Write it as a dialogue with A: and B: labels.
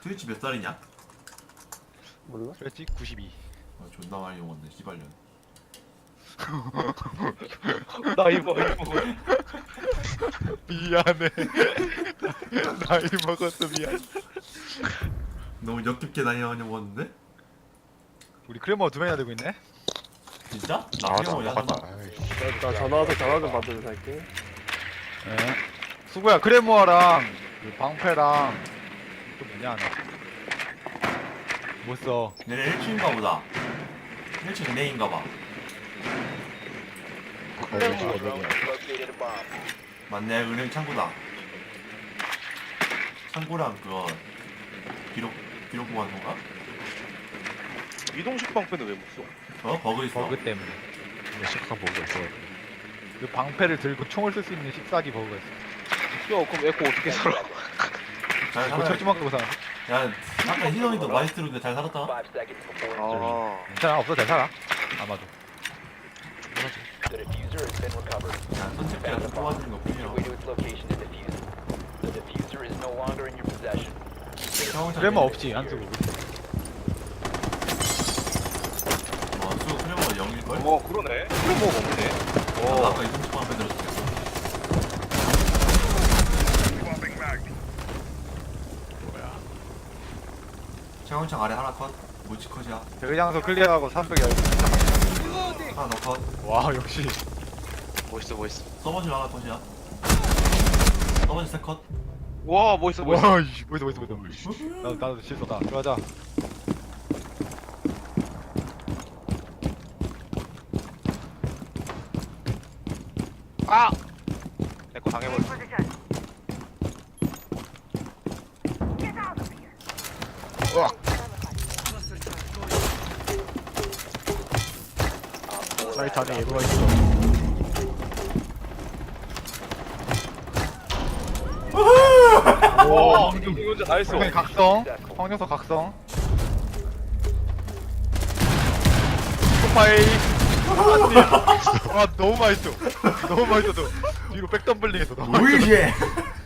A: 트위치 몇 살이냐?
B: 몰라?
C: 그랬지? 92.
A: 존나 많이 먹었네 씨발년.
D: 나이 먹어.
C: 미안해. 나이 먹었어 미안.
A: 너무 역겹게 많이 먹었는데?
C: 우리 크레머 2명이나 되고 있네.
A: 진짜? 나
E: 아,
A: 그냥 뭐냐
E: 나갔다.
A: 하나?
B: 나 전화 와서 전화 좀 받으러 갈게.
C: 네. 수고야 크레모아랑 그 방패랑 또 뭐냐 하나. 못 써.
A: 얘네 1층인가 보다. 1층 은행인가 봐. 맞네, 은행 창구다. 창구랑 그거 기록 보관소인가?
D: 이동식 방패는 왜 못 써?
A: 버그 있어.
C: 버그 때문에.
E: 심각한 버그가 있어.
C: 그 방패를 들고 총을 쓸 수 있는 식사기 버그가 있어.
D: 야 그럼 에코 어떻게 살아?
A: 잘
C: 이거
A: 살아.
C: 철조망 끄고 사는.
A: 야, 아까 희성이도 마이스트로인데 잘 살았다.
D: 아
C: 괜찮아 없어 잘 살아. 아마도.
A: 야, 선택기가 좀 뽑아주는 거 뿐이야.
C: 크레모 없지 안 쓰고.
A: 수 프레모가 0일걸?
D: 어 그러네. 그럼 뭐 없네.
A: 아까 이동식 방패 들었어. 채원창 아래 하나 컷. 모치 컷이야.
C: 대장소 클리어하고 산속 열.
A: 하나 더 컷.
C: 와 역시.
D: 멋있어 멋있어.
A: 서버질 하나 컷이야. 서버질 세 컷.
D: 와 멋있어 멋있어.
C: 와 이씨 뭐있어 나도 실수다. 들어가자.
D: 아! 에코 당해버렸어.
C: 사이트 안에 예보가 있어.
D: 와 이거 혼자 다 했어.
C: 황 각성. 황녀석 각성. 스파이. 와 너무 맛있어. 너무 맛있어. 뒤로 백덤블링 했어. 너무 맛있어.
A: 오이시!